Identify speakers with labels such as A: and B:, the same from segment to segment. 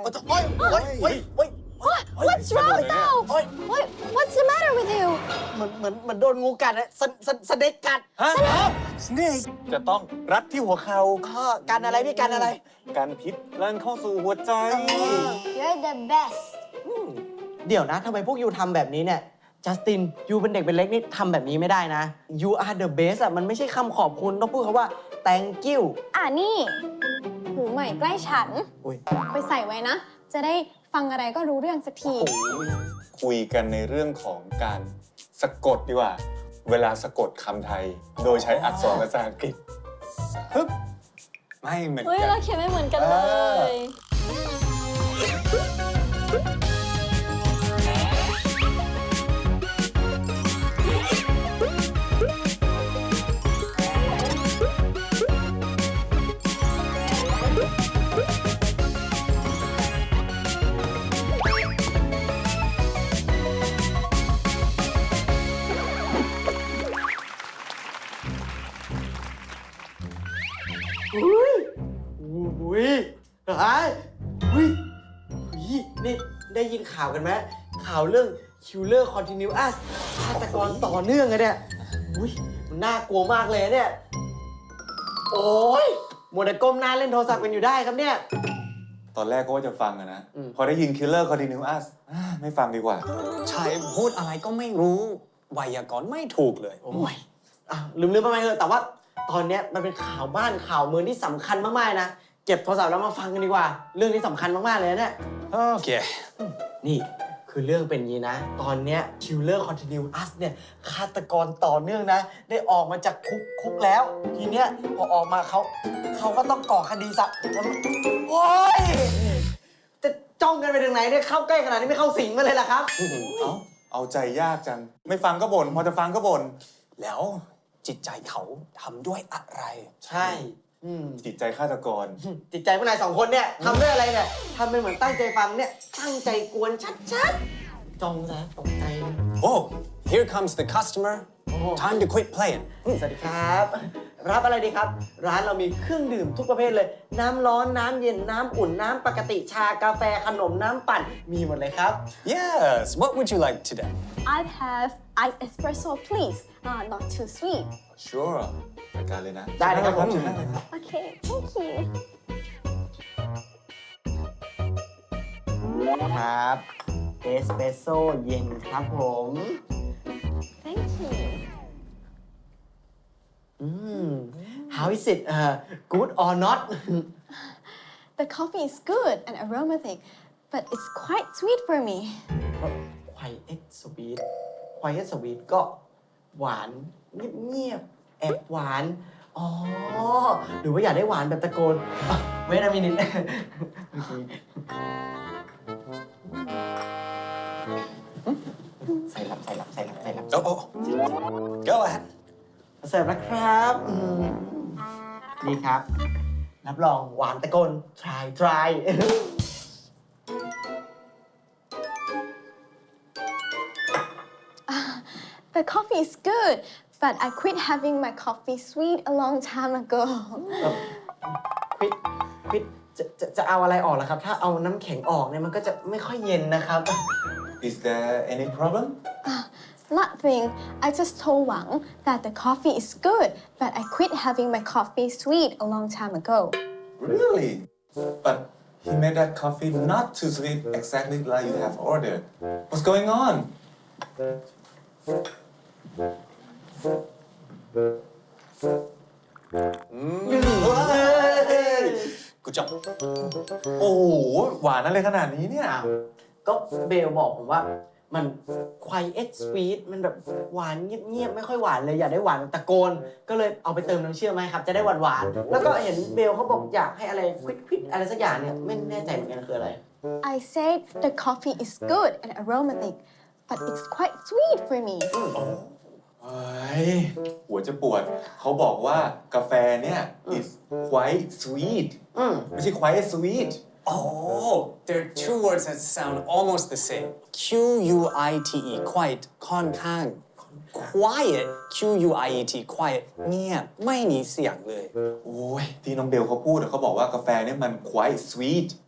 A: What's wrong though? What's the matter with you?
B: เหมือนโดนงูกัดอะสเน็กกัด
C: ฮะสเนกจะต้องรัดที่หัวเข่า
B: กันอะไรพี่กันอะไร
C: การพิษลั่นเข้าสู่หัวใจ
A: You're the best.
B: เดี๋ยวนะทำไมพวกยูทำแบบนี้เนี่ยจัสตินยูเป็นเด็กเป็นเล็กนี่ทำแบบนี้ไม่ได้นะ You are the best อะมันไม่ใช่คำขอบคุณต้องพูดคำว่า thank you
A: นี่หูใหม่ใกล้ฉัน
B: อุ๊ย
A: ไปใส่ไว้นะ จะได้ฟังอะไรก็รู้เรื่องสักที
C: คุยกันในเรื่องของการสะกดดีกว่า เวลาสะกดคำไทย โดยใช้อักษรภาษาอังกฤษฮึบไม่เหมือน
A: เฮ้ย
C: กั
A: เรา
C: น
A: เขียนไม่เหมือนกันเลย
B: อุ้ยอุ้ยเฮ้ยอุ้ยนี่ได้ยินข่าวกันไหมข่าวเรื่อง Killer Continuous ฆาตกรต่อเนื่องอะเนี่ยอุ้ยมันน่ากลัวมากเลยเนี่ย โอ้ยมัวแต่ก้มหน้าเล่นโทรศัพท์กันอยู่ได้ครับเนี่ย
C: ตอนแรกก็ว่าจะฟังอะนะ
B: อืม
C: พอได้ยิน Killer Continuous ไม่ฟังดีกว่า
D: ใช่พูดอะไรก็ไม่รู้ไวยากรณ์ไม่ถูกเลย
B: โอ้ยลืมไปไหมเถอะแต่ว่าตอนเนี้ยมันเป็นข่าวบ้านข่าวเมืองที่สำคัญมากๆนะ เก็บโทรศัพท์แล้วมาฟังกันดีกว่า เรื่องนี้สำคัญมากๆเลยนะเนี่ย
D: โอเค
B: นี่คือเรื่องเป็นอย่างนี้นะ ตอนเนี้ย Killer Continuous เนี่ยฆาตกรต่อเนื่องนะ ได้ออกมาจากคุกแล้ว ทีเนี้ยพอออกมาเขาก็ต้องก่อคดีซะโอ้ยจะจ้องกันไปถึงไหนเนี่ยเข้าใกล้ขนาดนี้ไม่เข้าสิงมาเลยล่ะครับ
C: เอาใจยากจัง ไม่ฟังก็บ่นพอจะฟังก็บ่น
D: แล้วจิตใจเขาทำด้วยอะไร
B: ใช่
C: จิตใจฆาตกร
B: จิตใจพวกนายสองคนเนี่ยทำด้วยอะไรเนี่ยทำเป็นเหมือนตั้งใจฟังเนี่ยตั้งใจกวนชัดๆจ้องซะตกใจเลย
D: Oh here comes the customer time to quit playing
B: สวัสดีครับ รับอะไรดีครับ ร้านเรามีเครื่องดื่มทุกประเภทเลย น้ำร้อนน้ำเย็นน้ำอุ่นน้ำปกติชากาแฟขนมน้ำปั่นมีหมดเลยครับ
D: Yes what would you like today
A: I'd have iced espresso please not too sweet
C: Sure จัดการเลยนะ
B: ได้เลยครับผม
C: เชิญนั่งเลยครับ
A: Okay thank you
B: ครับเอสเปรสโซ่เย็นครับผม
A: thank you
B: How is it good or not
A: The coffee is good and aromatic but it's quite sweet for me
B: Quiet sweet Quiet sweet ก็หวานเงียบๆแอบหวาน อ๋อ หรือว่าอยากได้หวานแบบตะโกนเวทมินิทใส่รับ
D: Oh go ahead
B: เสิร์ฟแล้วครับนี่ครับ รับรองหวานตะโกน try
A: The coffee is good but I quit having my coffee sweet a long time ago
B: ควิดจะเอาอะไรออกล่ะครับ ถ้าเอาน้ำแข็งออกเนี่ยมันก็จะไม่ค่อยเย็นนะครับ
C: Is there any problem
A: Nothing. I just told Wang that the coffee is good, but I quit having my coffee sweet a long time ago.
C: Really But he made that coffee not too sweet exactly like you have ordered What's going on
D: กูจบ
C: โอ้โหหวานอะไรขนาดนี้เนี่ย
B: ก็เบลบอกผมว่ามัน quiet sweet มันแบบหวานเงียบๆไม่ค่อยหวานเลยอยากได้หวานแบบตะโกน ก็เลยเอาไปเติมน้ำเชื่อมมาให้ครับ จะได้หวานๆแล้วก็เห็นเบลเขาบอกอยากให้อะไรควิดอะไรสักอย่างเนี่ยไม่แน่ใจเหมือนกันคืออะไร
A: I said the coffee is good and aromatic, but it's quite sweet for me.
C: เฮ้ยหัวจะปวด เขาบอกว่ากาแฟเนี่ย is quite sweet ไม่ใช่ quite sweet
D: Oh there are two words that sound almost the same Q-U-I-T-E quiet ค่อนข้าง quiet Q-U-I-E-T quiet เงียบไม่มีเสียงเลย
C: โอ้ยที่น้องเบลเขาพูดอะเขาบอกว่ากาแฟเนี่ยมัน quite sweet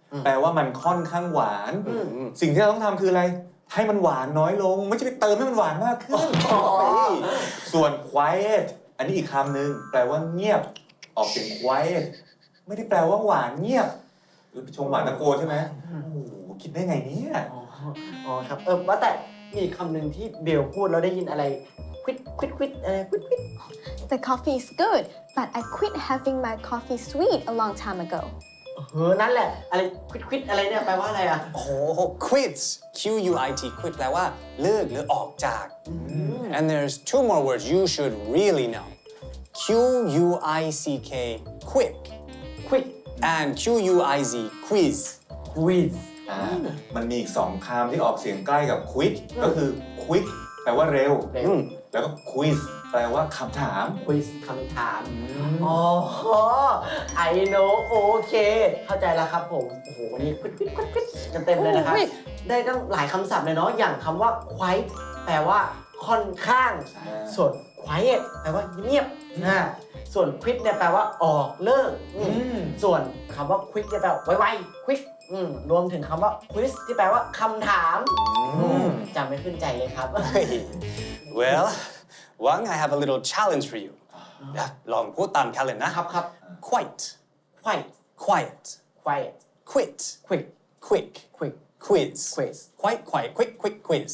C: แปลว่ามันค่อนข้างหวาน สิ่งที่เราต้องทำคืออะไร ให้มันหวานน้อยลง ไม่ใช่ไปเติมให้มันหวานมากขึ้น ส่วน quiet อันนี้อีกคำหนึ่งแปลว่าเงียบ ออกเสียง quiet ไม่ได้แปลว่าหวานเงียบ หรือไปชมหวานตะโกนใช่ไหมโอ้โหคิดได้ไงเนี่ย
B: อ๋อครับ ว่าแต่มีอีกคำหนึ่งที่เบลพูดแล้วได้ยินอะไรควิดควิดควิดอะไรควิดควิด
A: The coffee is good but I quit having my coffee sweet a long time ago
B: นั่นแหละ อะไรควิดควิดอะไรเนี่ยแปลว่าอะไรอ่ะ
D: โอ้โห quit Q U I T quit แปลว่าเลิกหรือออกจาก and there's two more words you should really know Q U I C K quick
B: ควิด
D: and Q U I Z quiz
B: ควิด
C: มันมีอีก2คำที่ออกเสียงใกล้กับ quick ก็คือ quick แปลว่าเร็ว
B: เร็ว
C: แล้วก็ quiz แปลว่าคำถาม
B: ควิสคำถาม อ๋อ I know โอเค เข้าใจแล้วครับผม โอ้โห วันนี้ควิดควิดควิดควิดกันเต็มเลยนะครับ ได้ตั้งหลายคำศัพท์เลยเนาะ อย่างคำว่า quiet แปลว่าค่อนข้าง ส่วน quiet แปลว่าเงียบส่วน quit เนี่ยแปลว่าออกเลิกส่วนคำว่า quick เนี่ยแปลว่าไวๆ quick รวมถึงคำว่า quiz ที่แปลว่าคำถามจำไม่ขึ้นใจเลยครับ
D: well Wang I have a little challenge for you ลองพูดตามกันเลยนะครับ
B: ครับ
D: quite
B: quiet
D: quiet
B: quiet
D: quit
B: quick
D: quick
B: quick
D: quiz
B: quiz
D: quite quiet quick quick quiz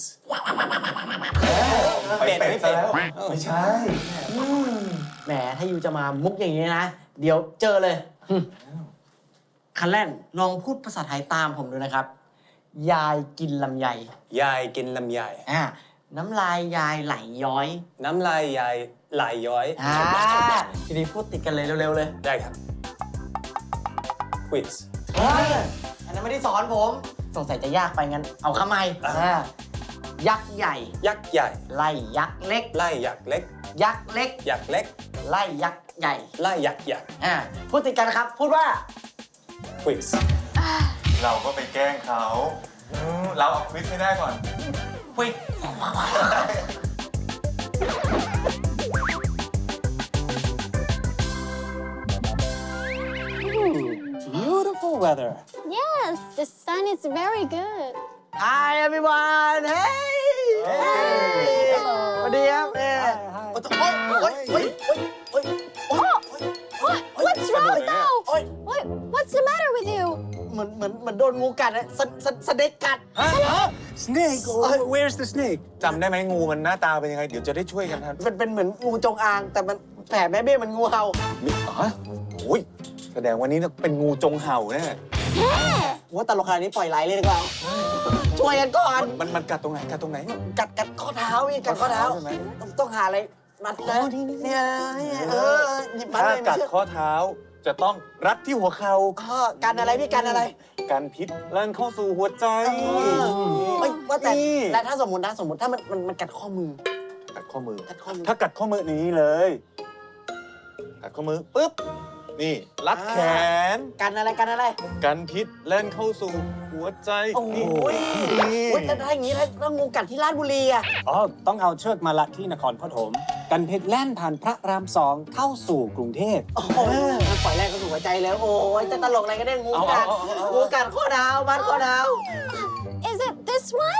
C: ไปเป็ดซะแล้ว ไม่ใช่
B: แหมถ้ายูจะมามุกอย่างนี้นะ เดี๋ยวเจอเลยคันแรกลองพูดภาษาไทยตามผมดูนะครับ ยายกินลำไย
D: ยายกินลำไย
B: น้ำลายยายไหลย้อย
D: น้ำลายยายไหลย้อย
B: ทีนี้พูดติดกันเลยเร็วๆเลย
D: ได้ครับ quiz
B: อันนั้นไม่ได้สอนผม สงสัยจะยากไปงั้น เอาคำใหม่ยักษ์ใหญ่
D: ยักษ์ใหญ่
B: ไล่ยักษ์เล็ก
D: ไล่ยักษ์เล็ก
B: ยักษ์เล็ก
D: ยักษ์เล็ก
B: ไล่ยักษ์ใหญ่
D: ไล่ยักษ์ใหญ่
B: พูดติดกันนะครับ พูดว่า
D: quiz
C: เราก็ไปแกล้งเขาเราเอาควิสให้ได้ก่อน
B: คุย
D: beautiful weather
A: Yes the sun is very good
B: Hi everyone Hey สวัสดีครับ
A: What's wrong now What's the matter with you
B: เหมือนโดนงูกัดอะสเน็กกัด
D: snake where's the snake
C: จำได้ไหมงูมันหน้าตาเป็นยังไง เดี๋ยวจะได้ช่วยกันทัน
B: มันเป็นเหมือนงูจงอาง แต่มันแผ่แม่เบี้ยมันงูเห่า
C: โอ้ยแสดงวันนี้เป็นงูจงเห่าแน่
B: ว่าตลกขนาดนี้ปล่อยไหลเลยดีกว่าช่วยกันก่อน
C: มันกัดตรงไหนกัดตรงไหน
B: กัดข้อเท้าพี่กัดข้อเท้า
C: ใช่ไหม
B: ต้องหาอะไรมัดเลยเนี่ยหยิบมัด
C: ถ้า
B: เลย
C: กัดข้อเท้าจะต้องรัดที่หัวเข่า
B: กันอะไรพี่กันอะไร
C: กันพิษลั่นเข้าสู่หัวใจ
B: ว่าแต่ถ้าสมมติถ้ามันกัดข้อมือ
C: กัดข้อมือ
B: กัดข้อมือ
C: ถ้ากัดข้อมือนี้เลย กัดข้อมือปุ๊บ นี่รัดแขน
B: กันอะไร
C: กันพิษแล่นเข้าสู่หัวใจ
B: โอ้ย
C: นี่
B: แต่ถ้าอย่างนี้แล้วงูกัดที่ราชบุรีอะ
E: อ๋อ ต้องเอาเชือกมาลัดที่นครปฐมกันเพชรแล่นผ่านพระราม2เข้าสู่กรุงเทพ
B: โอ้โหปล่อยแรงก็สู่หัวใจแล้วโอ้ยจะตลกอะไรก็ได้งูกัดข้อเท้ามัดข้อเท้า
A: Is it this one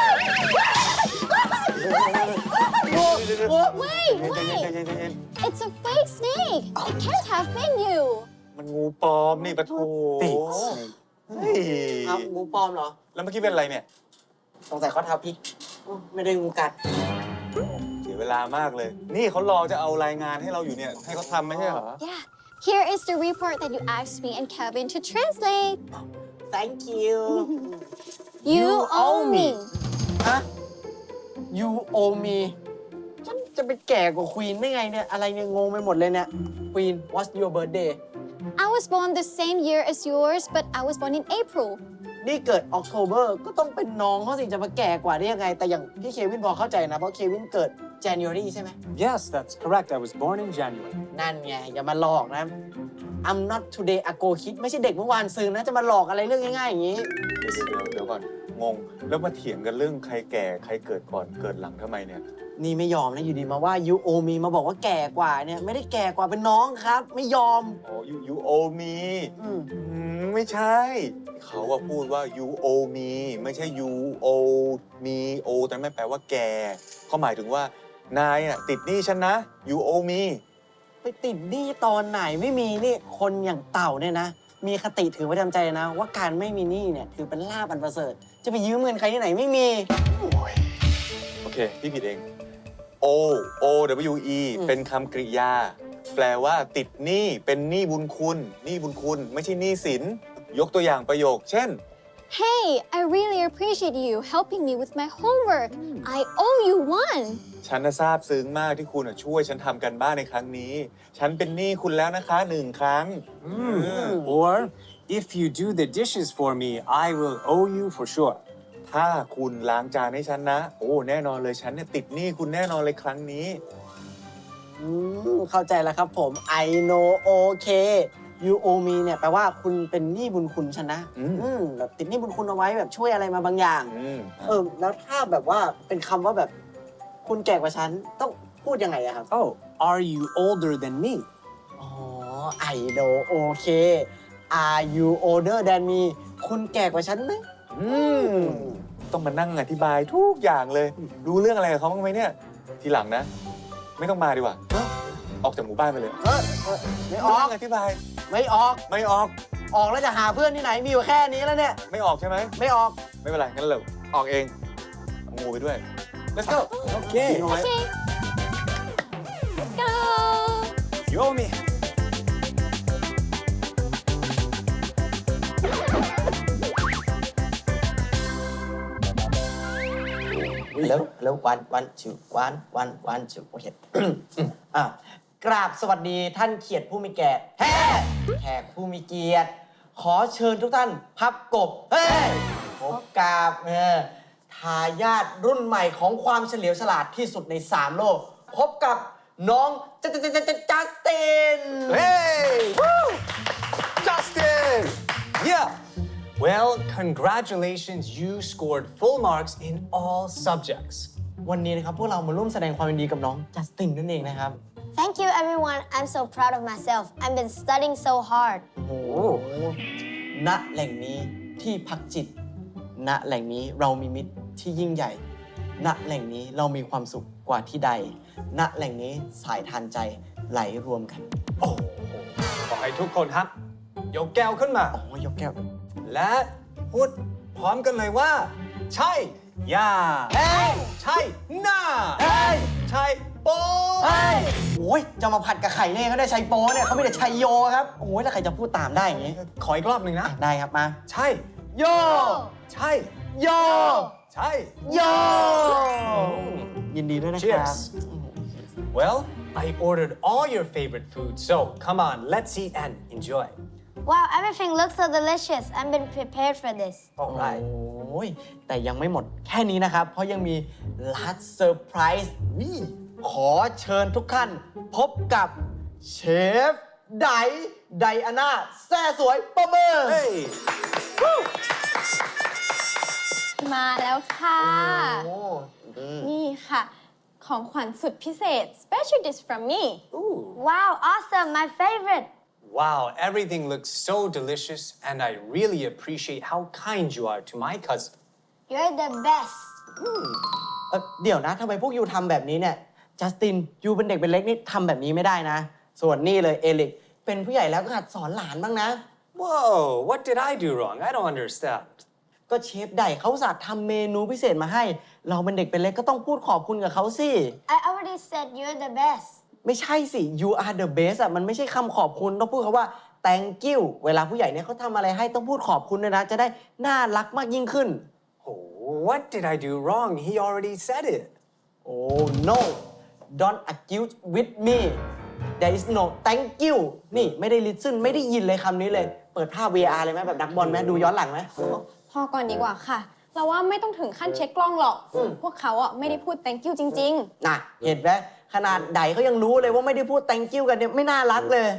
A: Wait It's a fake snake It can't have been you
C: มันงูปลอมนี่ปะโถ
E: Fake
C: เฮ้ย
B: เอางูปลอมเหรอ
C: แล้วเมื่อกี้เป็นอะไรเนี่ย
B: สงสัยข้อเท้าพลิกไม่ได้งูกัด
C: เสียเวลามากเลย นี่เขารอจะเอารายงานให้เราอยู่เนี่ย ให้เขาทำไม่ใช่เหรอ
A: Yeah Here is the report that you asked me and Kevin to translate
B: Thank you
A: You owe me
B: ฮะ You owe me ฉันจะไปแก่กว่าควีนได้ไงเนี่ย อะไรเนี่ยงงไปหมดเลยเนี่ย Queen What's your birthday
A: I was born the same year as yours but I was born in April
B: นี่เกิด October ก็ต้องเป็นน้องเขาสิจะมาแก่กว่าได้ยังไง แต่อย่างพี่เควินพอเข้าใจนะ เพราะเควินเกิด January ใช่ไหม
E: Yes that's correct I was born in January
B: นั่นไง อย่ามาหลอกนะ I'm not today ago kid ไม่ใช่เด็กเมื่อวานซืนนะจะมาหลอกอะไรเรื่องง่ายๆอย่างนี้
C: เดี๋ยวก่อน งง แล้วมาเถียงกันเรื่องใครแก่ใครเกิดก่อนเกิดหลังทำไมเนี่ย
B: นี่ไม่ยอมนะอยู่ดีมาว่า you owe me มาบอกว่าแก่กว่าเนี่ยไม่ได้แก่กว่าเป็นน้องครับ ไม่ยอม
C: อ๋อ you owe me ไม่ใช่ เขาว่าพูดว่า you owe me ไม่ใช่ you owe me owe แต่ไม่แปลว่าแกเขาหมายถึงว่านายอ่ะติดหนี้ฉันนะ you owe me
B: ไปติดหนี้ตอนไหนไม่มีนี่คนอย่างเต่าเนี่ยนะ มีคติถือประจำใจนะ ว่าการไม่มีหนี้เนี่ยถือเป็นลาภอันประเสริฐ จะไปยืมเงินใครที่ไหนไม่มี
C: โอเค พี่ผิดเอง o o w e เป็นคำกริยา แปลว่าติดหนี้เป็นหนี้บุญคุณหนี้บุญคุณ ไม่ใช่หนี้สิน ยกตัวอย่างประโยค เช่น
A: Hey, I really appreciate you helping me with my homework. I owe you one.
C: ฉันน่ะซาบซึ้งมากที่คุณน่ะช่วยฉันทำกันบ้านในครั้งนี้ ฉันเป็นหนี้คุณแล้วนะคะ1 ครั้ง
E: or if you do the dishes for me I will owe you for sure
C: ถ้าคุณล้างจานให้ฉันนะ โอ้แน่นอนเลยฉันเนี่ยติดหนี้คุณแน่นอนเลยครั้งนี้
B: เข้าใจแล้วครับผม I know okay you owe me เนี่ยแปลว่าคุณเป็นหนี้บุญคุณฉันนะแบบติดหนี้บุญคุณเอาไว้แบบช่วยอะไรมาบางอย่าง แล้วถ้าแบบว่าเป็นคำว่าแบบคุณแก่กว่าฉันต้องพูดยังไงอะครับ
E: oh are you older than me
B: อ๋อ I know okay are you older than me คุณแก่กว่าฉันไหม
C: ต้องมานั่งอธิบายทุกอย่างเลย รู้เรื่องอะไรกับเขาบ้างไหมเนี่ย ทีหลังนะ ไม่ต้องมาดีกว่า ออกจากหมู่บ้านไปเลย
B: ไม่ออก
C: นั่งอธิบาย
B: ไม่ออก
C: ไม่ออก
B: ออกแล้วจะหาเพื่อนที่ไหนมีอยู่แค่นี้แล้วเนี่ย
C: ไม่ออกใช่ไหม
B: ไม่ออก
C: ไม่เป็นไร งั้นเราออกเองเอางูไปด้วย let's go
E: okay
A: Okay. Let's go.
E: you owe me
B: แล้ววันจุโอเค กราบสวัสดีท่านเขียดผู้มีแก่แขกผู้มีเกียรติ ขอเชิญทุกท่านพับกบพบกับทายาทรุ่นใหม่ของความเฉลียวฉลาดที่สุดใน3โลก พบกับน้องจัสติน
D: Hey! Justin! Yeah! Well, congratulations, you scored full marks in all subjects.
B: วันนี้นะครับพวกเรามาร่วมแสดงความยินดีกับน้องจัสตินนั่นเองนะครับ
F: Thank you, everyone. I'm so proud of myself. I've been studying so hard.
B: โอ้โหณแหล่งนี้ที่พักจิต ณแหล่งนี้เรามีมิตรที่ยิ่งใหญ่ ณแหล่งนี้เรามีความสุขกว่าที่ใด ณแหล่งนี้สายทานใจไหลรวมกัน
D: โอ้โหขอให้ทุกคนครับ ยกแก้วขึ้นมา
B: อ๋อยกแก้ว
D: และพูดพร้อมกันเลยว่า ใช่ย่า
B: เฮ้ย
D: ใช่หน้า
B: เฮ้ย
D: ใช่โป้
B: เฮ้ยโอ้ยจะมาผัดกับไข่เนี่ยเขาได้ชัยโป้เนี่ยเขาไม่ได้ชัยโยครับ โอ้ยแล้วใครจะพูดตามได้อย่างนี้
D: ขออีกรอบหนึ่งนะ
B: ได้ครับมา
D: ใช่
B: โย
D: ใช่
B: โย
D: ใช่
B: โย ยินดีด้วยนะครับ
D: Cheers. Well, I ordered all your favorite food, so come on, let's eat and enjoy.
F: Wow, everything looks so delicious. I've been prepared for this.
D: All right.
B: โอ้ยแต่ยังไม่หมดแค่นี้นะครับ เพราะยังมี last surprise ขอเชิญทุกท่านพบกับเชฟไดอาน่าแซ่สวยประเมิน
C: Hey
A: มาแล้วค่ะ
B: โอ้
A: นี่ค่ะ ของขวัญสุดพิเศษ special dish from me
F: Wow, awesome. My favorite.
D: Wow, everything looks so delicious, and I really appreciate how kind you are to my cousin.
F: You're the best.
B: เดี๋ยวนะทำไมพวกยูทำแบบนี้เนี่ยจัสตินยูเป็นเด็กเป็นเล็กนี่ทำแบบนี้ไม่ได้นะ ส่วนนี่เลยเอลิกเป็นผู้ใหญ่แล้วก็หัดสอนหลานบ้างนะ
D: Whoa, what did I do wrong? I don't understand.
B: ก็เชฟไดเขาอุตส่าห์ทำเมนูพิเศษมาให้ เราเป็นเด็กเป็นเล็กก็ต้องพูดขอบคุณกับเขาสิ
F: I already said you're the best.
B: ไม่ใช่สิ you are the best อ่ะมันไม่ใช่คำขอบคุณต้องพูดคำว่า thank you เวลาผู้ใหญ่เนี่ยเขาทำอะไรให้ต้องพูดขอบคุณด้วยนะ จะได้น่ารักมากยิ่งขึ้น
D: Oh, what did I do wrong? He already said it.
B: oh no don't accuse with me there is no thank you นี่ไม่ได้ listen ไม่ได้ยินเลยคำนี้เลย เปิดภาพ VR เลยไหมแบบนักบอลไหมดูย้อนหลังไหม
A: พอก่อนดีกว่าค่ะ เราว่าไม่ต้องถึงขั้นเช็คกล้องหรอก พวกเขาอ่ะไม่ได้พูด thank you จริง
B: น่ะเห็นไหมขนาดไดเขายังรู้เลยว่าไม่ได้พูด thank you กันเนี่ยไม่น่ารักเลย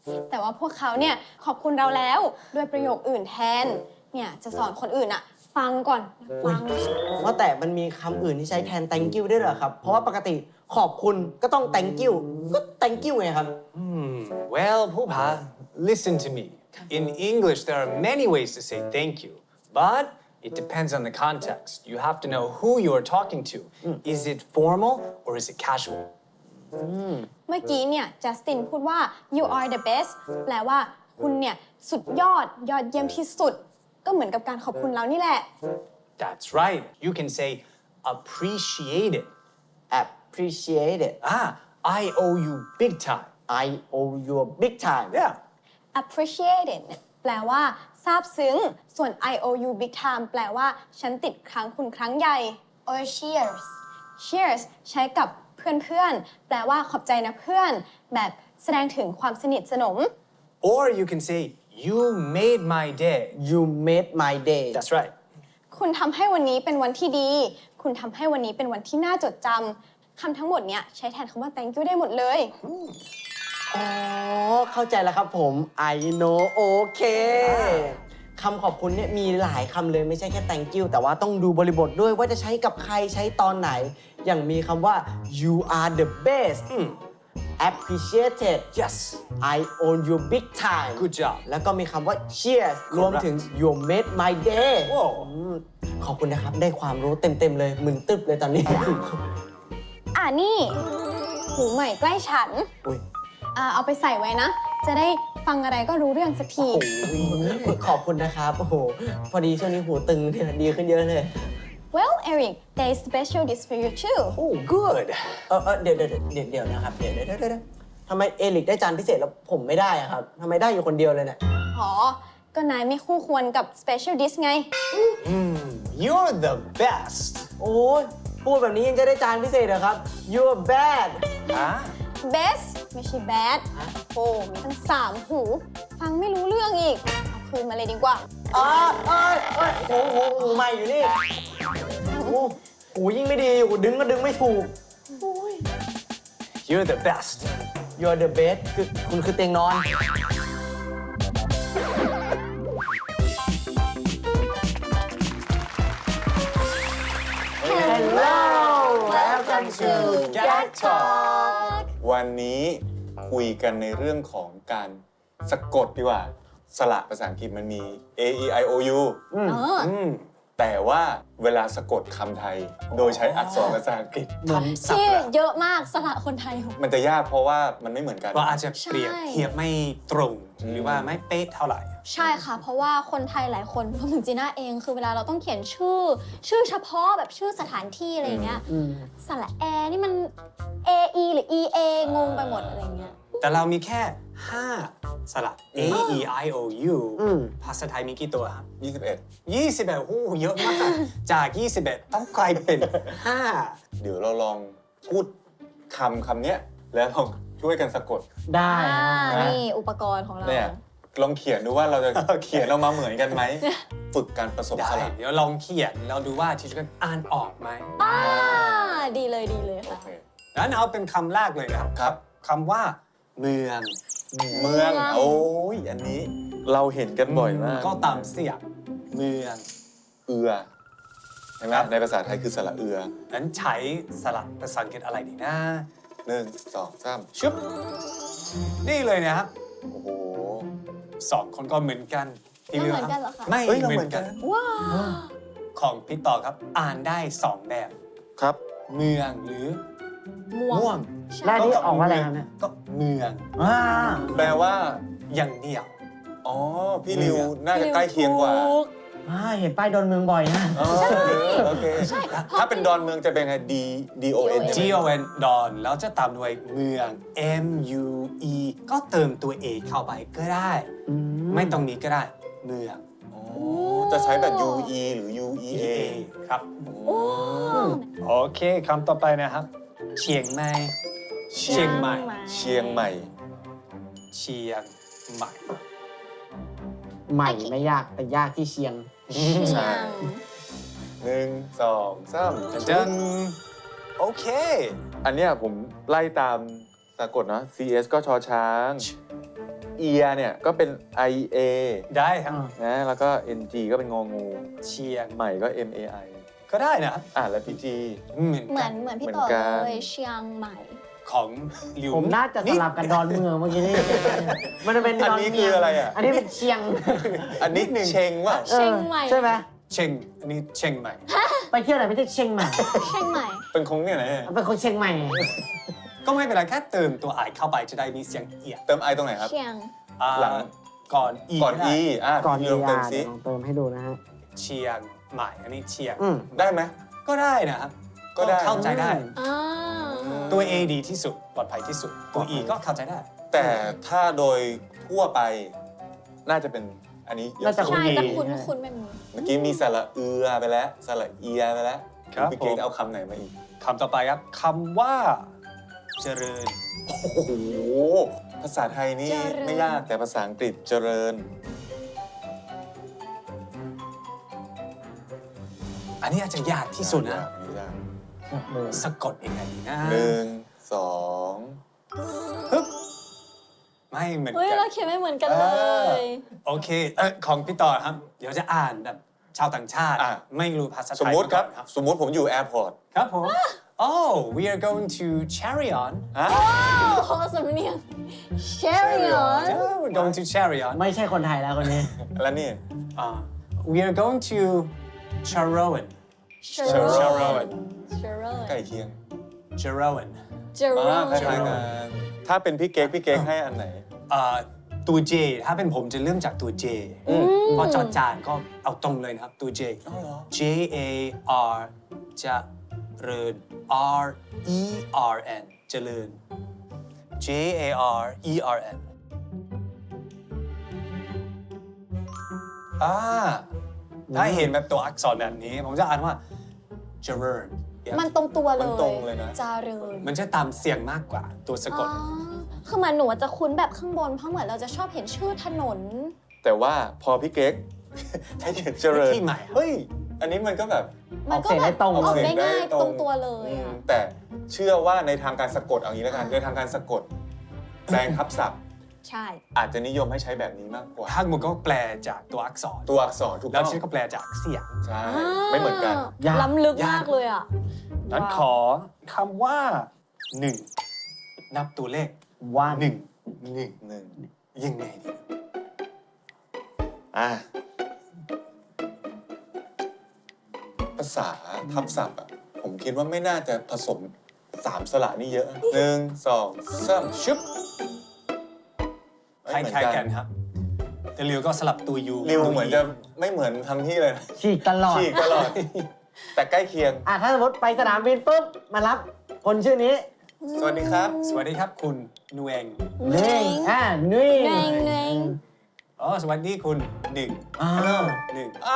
A: แต่ว่าพวกเขาเนี่ยขอบคุณเราแล้วด้วยประโยคอื่นแทน เนี่ยจะสอนคนอื่นอะฟังก่อน ฟัง
B: ว่าแต่มันมีคำอื่นที่ใช้แทน thank you ด้วยเหรอครับ เพราะว่าปกติขอบคุณก็ต้อง thank you ก็ thank you ไงครับ
D: Well, Pupa, listen to me. In English, there are many ways to say thank you, but it depends on the context. You have to know who you are talking to. Is it formal or is it casual?
A: เมื่อกี้เนี่ยจัสตินพูดว่า you are the best แปลว่าคุณเนี่ยสุดยอดเยี่ยมที่สุด ก็เหมือนกับการขอบคุณเรานี่แหละ
D: That's right. You can say appreciate it.
B: appreciate it
D: I owe you big time.
B: I owe you a big time
D: Yeah.
A: appreciated เนี่ยแปลว่าซาบซึ้ง ส่วน I owe you big time แปลว่าฉันติดค้างคุณครั้งใหญ่
F: Or cheers.
A: cheers ใช้กับเพื่อนๆ แปลว่าขอบใจนะเพื่อน แบบแสดงถึงความสนิทสนม
D: Or you can say you made my day.
B: you made my day
D: That's right.
A: คุณทำให้วันนี้เป็นวันที่ดี คุณทำให้วันนี้เป็นวันที่น่าจดจำ คำทั้งหมดเนี้ยใช้แทนคำว่า thank you ได้หมดเลย
B: อ๋อ เข้าใจแล้วครับผม I know โอเคคำขอบคุณเนี่ยมีหลายคำเลยไม่ใช่แค่ thank you แต่ว่าต้องดูบริบทด้วยว่าจะใช้กับใครใช้ตอนไหน อย่างมีคำว่า you are the best appreciated
D: Yes.
B: I owe you big time
D: Good job.
B: แล้วก็มีคำว่า cheers รวมถึง you made my day
D: Whoa.
B: ขอบคุณนะครับ ได้ความรู้เต็ม ๆ เลยมึนตึ๊บเลยตอนนี้
A: นี่ หูใหม่ใกล้ฉัน
B: อุ๊ย
A: เอาไปใส่ไว้นะ จะได้ฟังอะไรก็รู้เรื่องสักที
B: ขอบคุณนะครับ โอ้โห พอดีช่วงนี้หูตึงเนี่ยดีขึ้นเยอะเลย
A: Well Eric there is special dish for you too
D: Oh, good.
B: เดี๋ยวนะครับ เดี๋ยวทำไมเอลิกได้จานพิเศษแล้วผมไม่ได้อะครับทำไมได้อยู่คนเดียวเลยเนี่ย
A: อ๋อ ก็นายไม่คู่ควรกับ special dish ไง
D: You're the best.
B: โอ้ยพูดแบบนี้ยังจะได้จานพิเศษเหรอครับ you're bad
D: Huh?
A: best ไม่ใช่ bad โอ้มีทั้ง3 หู ฟังไม่รู้เรื่องอีก เอาคืนมาเลยดีกว่า
B: หูใหม่อยู่นี่หูยิ่งไม่ดีหูดึงก็ดึงไม่ถูก
D: You're the best.
B: you're the best คือคุณคือเตียงนอน Hello welcome to
D: Gag Talk.
C: วันนี้คุยกันในเรื่องของการสะกดดีกว่า สระภาษาอังกฤษมันมี A E I O U แต่ว่าเวลาสะกดคำไทย โดยใช้อักษรภาษาอังกฤษ
A: ที่เยอะมากสระคนไทย
C: มันจะยากเพราะว่ามันไม่เหมือนกัน
D: เราอาจจะเปรียบเทียบไม่ตรง หรือว่าไม่เป๊ะเท่าไหร่
G: ใช่ค่ะ เพราะว่าคนไทยหลายคนรวมถึงจีน่าเองคือเวลาเราต้องเขียนชื่อเฉพาะแบบชื่อสถานที่อะไรเงี้ยสระแอนี่มัน A E หรือ E A งงไปหมดอะไรเงี้ย
D: แต่เรามีแค่ 5 สระ A E I O U ภาษาไทยมีกี่ตัวครับ
C: 21
D: 21โอ้โหเยอะมาก จาก 21 ต้องกลายเป็น 5
C: เดี๋ยวเราลองพูดคำเนี้ยแล้วลองช่วยกันสะกด
B: ได้
G: นี่อุปกรณ์ของเรา
C: เนี่ยลองเขียนดูว่าเราจะ เขียนออกมาเหมือนกันไหม ฝึกการผสม
D: ได้
C: สระ
D: เดี๋ยวลองเขียนแล้วดูว่าที่จะอ่านออกไหม
G: ดีเลยค่ะ
C: โอเค
D: งั้นเอาเป็นคำแรกเลยนะครับ
C: ครับ
D: คำว่าเมือง
C: เมือง โอ้ยอันนี้เราเห็นกันบ่อยมาก
D: ก็ตามเสียงเมือง
C: เอือใช่ไหมในภาษาไทยคือสระเอือ
D: งั้นใช้สระภาษาอังกฤษอะไรดีนะ
C: 1 2 3
D: ชุบนี่เลยนะครับ
C: โอ้โห
D: 2 คนก็เหมือนกันที่
G: ไม่
D: ลื
G: เหมือนกันเหรอคะ
D: ไม่
C: เอ้ยเรา
D: เห
C: เหมื
D: มือ
C: อน น
D: กั
C: กัน น
G: ว้าว
D: ของพี่ต่อครับ อ่านได้ 2 แบบ
C: ครับ
D: เมืองหรือ
G: ม่วง
B: แล้วนี่ออกว่าอะไรครับเนี่ย
D: ก็เมือง
C: แปลว่า
D: อย่างเดียว
C: อ๋อ พี่ริวน่าจะใกล้เคียงกว่า
B: เห็นป้ายดอนเมืองบ่อยนะ
C: อ๋อโอเค ถ้าเป็นดอนเมืองจะเป็นไง D O N
D: G O N ดอนแล้วจะตามด้วยเมือง M U E ก็เติมตัว A เข้าไปก็ได้ ไม่ตรงนี้ก็ได้ เมือง
C: อ๋อจะใช้แบบ U E หรือ U E A
D: ครับ โอเคคำต่อไปนะครับ เชียงใหม่ เชียงใหม่
C: เชียงใหม่
D: เชียงใหม่
B: ใหม่ไม่ยากแต่ยากที่เชียง
C: ใช่ 1 2 3
D: จันโอเค
C: อันเนี้ยผมไล่ตามสะกดเนาะ C S ก็ชอช้าง ear เนี่ยก็เป็น I A
D: ได้ครับ
C: นะแล้วก็ N G ก็เป็นงองู
D: เชียง
C: ใหม่ก็ M A I
D: ก็ได้นะครับ
C: แล้วพี่จี
G: เหมือนพี่ต่อ
C: เหมือนกัน
G: เลยเชียงใหม่
D: ของหลิว
B: ผมน่าจะสลับกันดอนเมืองเมื่อกี้นี่มันจะเป็น
C: อัน
B: ดอน
C: นี้
B: เมี
C: คื
B: ย
C: อง อะไรอ่ะ
B: อันนี้เป็นเชียง
C: อันนี้เชงว่ะ
G: เชียงใหม่
B: ใช่ไหม
D: เชียงอันนี้เชียงใหม่
B: ไปเที่ยวไหนไม่ใช่เชียงใหม่
G: เชียงใหม่
C: เป็นคงเนี่ยไหน
B: เป็นคนเชียงใหม่
D: ก็ไม่เป็นไรแค่เติมตัวไอเข้าไปจะได้มีเสียงเอียด
C: เติม I ตรงไหนครับ
G: เชียง
C: หลัง
D: ก่อนอี
C: ก่อน
D: ได้
C: E
B: ก่อน
C: พี่
B: เดี
C: ลองเติมซิ
B: ลองเติมให้ดูนะฮะ
D: เชียงใหม่อันนี้เชียง
C: ได้ไหม
D: ก็ได้นะครับ
C: ก็ได้
D: เข้าใจได้
G: อ่า
D: ตัว A ดีที่สุดปลอดภัยที่สุดตัว E ก็เข้าใจได้
C: แต่ถ้าโดยทั่วไปน่าจะเป็นอันนี้เยอะ
B: น่าจะ
C: สุด
G: ใช่
B: ดี
G: จะคุ้นแบบนี้
C: เมื่อกี้มีสระเอือไปแล้วสระเอียไปแล้ว
D: ครับ
C: พี่เก๊ก
D: ผม
C: เอาคำไหนมาอีก
D: คำต่อไปครับคำว่าเจริญ
C: โอ้โห ภาษาไทยนี่ไม่ยากแต่ภาษาอังกฤษเจริญ
D: อันนี้อาจจะยากที่สุดนะ
C: ยาก
D: สะกดยังไงดีนะ
C: หนึ่งสอง
D: ปึ๊บไม่เหมือน
G: เฮ้ย
D: กัน
G: เราเขียนไม่เหมือนกันเลย
D: โอเคของพี่ต่อครับ เดี๋ยวจะอ่านแบบชาวต่างชาติ ไม่รู้ภาษาไทย
C: สมมติครับ
D: าก่อน
C: สมมติผมอยู่แอร์พอร์ต
D: ครับผม Oh we are going to Charion
C: ฮะ
G: โอ้โหสำเนียง Charion
D: Yeah, we're going to Charion
B: ไม่ใช่คนไทยแล้วคนนี้
C: แล้วนี่
D: We are going to Charoen
G: Charoen
C: ใกล้เคียง
D: Charoen
C: คล้ายๆกันถ้าเป็นพี่เก๊กให้อันไหน
D: ตัว J ถ้าเป็นผมจะเริ่มจากตัว J เพราะจอจานก็เอาตรงเลยนะครับ ตัว J J A R จะเริญ R E R N เจริญ J A R E R N ถ้าเห็นแบบตัวอักษรแบบนี้ ผมจะอ่านว่าเจริญ
G: มันตรงตัวเล
C: มันตรงเลยนะ
G: จาเริญ
D: มันจะตามเสียงมากกว่าตัวสะกด
G: คือเหมือนหนูจะคุ้นแบบข้างบน เพราะเหมือนเราจะชอบเห็นชื่อถนน
C: แต่ว่าพอพี่เก๊ก ให้เขียนเจริญ
D: ที่ใหม่
C: เฮ้ย อันนี้มันก็แบบ
G: มันก็
B: ออกเสียง
G: แบ
B: ได้
G: บ
B: ตรง
G: ออก
C: เสีย
G: ได้
C: งได้
G: ง่าย
C: ตรง
G: ตรงตัวเลยอะ
C: แต่เชื่อว่าในทางการสะกดเอางี้แล้วกันในทางการสะกดแปลงทับศัพท์
G: ใช่
C: อาจจะนิยมให้ใช้แบบนี้มากกว่า
D: ภาคมันก็แปลจากตัวอักษร
C: ตัวอักษรถูก
D: แล้
C: ต้
D: ว
C: อง
D: ฉันก็แปลจากเสียง
C: ใช่ ไม่เหมือนกัน
B: ยาก
G: ล้ำลึกมากเลยอ่ะ
D: นั้นขอคำว่าหนึ่งนับตัวเลข
B: ว่า
D: หนึ่ง
C: หนึ่ง
D: ยังไงดี
C: อ่ะภาษาทับศัพท์อ่ะ ผมคิดว่าไม่น่าจะผสม3สระนี่เยอะหนึ่งสองสามชึบ
D: คล้ายๆกันครับ แต่ริวก็สลับตัวยู
C: ริวเหมือนจะไม่เหมือนทางที่เลยนะ
B: ฉีกตลอด
C: ฉีกตลอด แต่ใกล้เคียง
B: ถ้าสมมติไปสนามบินปุ๊บ มารับคนชื่อนี้
C: สวัสดีครับ
D: สวัสดีครับคุณนูเอง
B: เน่งนุ่ย
G: เน่งเน่ง
D: อ๋อสวัสดีคุณหนึ่ง
B: อ้าว
D: หนึ่ง
B: อ้าว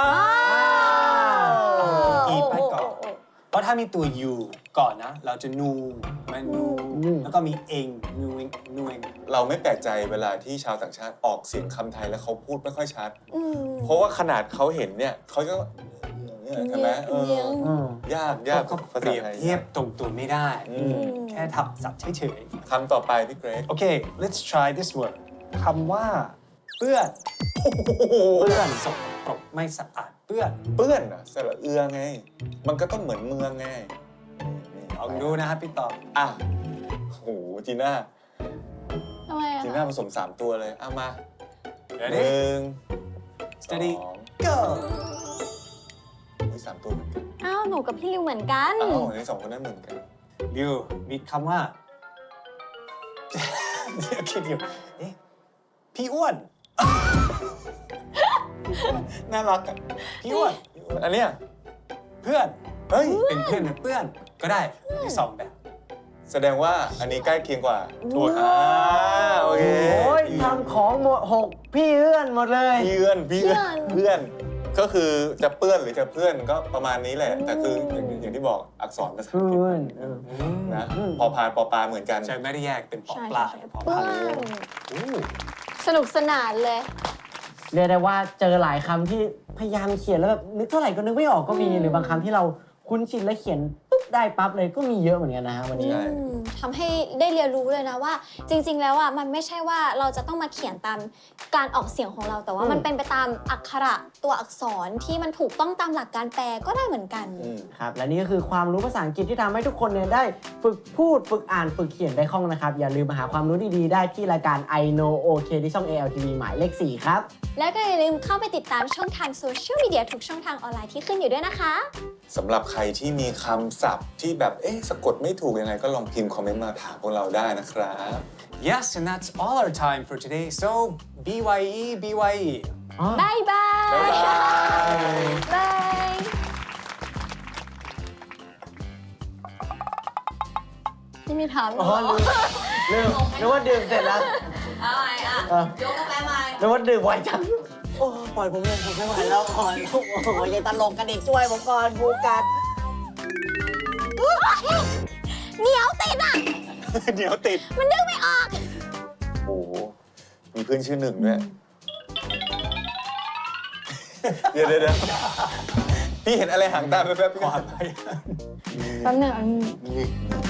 D: อีไปก่อน เพราะถ้ามีตัวยูก่อนนะ เราจะนูมันนูแล้วก็มีเองนูเองนูเอง
C: เราไม่แปลกใจเวลาที่ชาวต่างชาติออกเสียงคำไทยแล้วเขาพูดไม่ค่อยชัด
G: อืม
C: เพราะว่าขนาดเขาเห็นเนี่ยเขาก็เนี่ยใช่ไหม
G: เลี้ยง
C: ยาก
D: ก็
C: ภา
D: เป
C: ษา
D: รียบ
C: ไทย
D: เทียบตรงตัวไม่ได้
C: อืม
D: แค่ทับศัพท์เฉย
C: คำต่อไปพี่เกรก
D: ๆ โอเค let's try this word คำว่าเปื้อน
B: เพื่อน
D: สกปรกไม่สะอาดเปื้อน
C: เปื้อนอะสระเอือไง มันก็ต้องเหมือนเมืองไง
D: ลองดูนะครับพี่ต่อ
C: อ่ะโอ้โหจีน่า
G: ทำไมอะ
C: จีน่าผสม3ตัวเลยเอามา
D: เดี๋ยว
C: ห
D: นี้
C: นึ่ง
D: steady
C: สอง
D: go
C: มี3ตัวเหมือนกัน
G: อ้าวหนูกับพี่ริวเหมือนกัน
C: อ้าวใน2คนนั้นเหมือนกัน
D: ริวมีคำว่า เดี๋ยวคิดอยู่เอ๊ะพี่อ้วน
C: น่ารักอะ
D: พี่อ้วน
C: อันเนี้ย
D: เพื่อน
C: เฮ้ย
D: เป็นเพื่อนเป็นเพื่อนก็ได้มีสองแบบ
C: แสดงว่าอันนี้ใกล้เคียงกว่า
D: ถูก
C: โอเค
B: โอ้ยทำของหมด6พี่เอื้อนหมดเลย
C: เพื่อนเพื่อน ก็คือจะเปื้อนหรือจะเพื่อนก็ประมาณนี้แหละ แต่คืออย่างที่บอกอักษรภาษาอังกฤษ
B: เพื่อนเออ
C: นะพอพานปอปลาเหมือนกัน
D: ใช่ไม่ได้แยกเป็นปอ
G: ใช่
D: ปลา
G: ใช่
D: ปอ
G: เปื้
D: ป
G: อ
D: ลา
G: น
D: อู้
G: สนุกสนานเลย
B: เรียกได้ว่าเจอหลายคำที่พยายามเขียนแล้วแบบนึกเท่าไหร่ก็นึกไม่ออกก็มี หรือบางคำที่เราคุ้นชินแล้วเขียนปุ๊บปุ๊บได้ปั๊บเลยก็มีเยอะเหมือนกันนะฮะวันนี้
C: ใช่
G: ทำให้ได้เรียนรู้เลยนะว่า จริง ๆ แล้วอ่ะมันไม่ใช่ว่าเราจะต้องมาเขียนตามการออกเสียงของเรา แต่ว่ามันเป็นไปตามอักขระตัวอักษรที่มันถูกต้องตามหลักการแปลก็ได้เหมือนกัน
B: ครับและนี่ก็คือความรู้ภาษาอังกฤษที่ทำให้ทุกคนเนี่ยได้ฝึกพูดฝึกอ่านฝึกเขียนได้คล่องนะครับ อย่าลืมมาหาความรู้ดีๆได้ที่รายการ I Know OK ที่ช่อง ALTV หมายเลข 4 ครับ
G: แล้วก็อย่าลืมเข้าไปติดตามช่องทางโซเชียลมีเดียทุกช่องทางออนไลน์ที่ขึ้นอยู่ด้วยนะคะ
C: สำหรับใครที่มีคำศัพท์ที่แบบสะกดไม่ถูกยังไงก็ลองพิมพ์คอมเมนต์มาถามพวกเราได้นะครับ
D: Yes, and that's all our time for today. So, BYE, BYE.
G: บายบาย
C: บ๊ายบาย
G: บาย นี่มีถามเหร
B: อ๋อ
G: อ
B: ลืมนึกว่าดื่มเสร็จแล้ว
A: เอาไงอ่ะ ยกกาแฟมา
B: นึกว่าดื่มไวจัง โอ้ปล่อยผมเลยผมไม่ไหวแล้วก่อนโอ้โหยังตลกกันอีกช่วยผมก่อนบูกัด
G: เหนียวติดอ่ะ
C: เดี๋ยวติด
G: มันดึงไม่ออก
C: โอ้โห มีเพื่อนชื่อหนึ่งด้วย เดี๋ยวพี่เห็นอะไรหางตาแป๊บๆพี่ขอ
G: แป๊บหนึง
C: นี่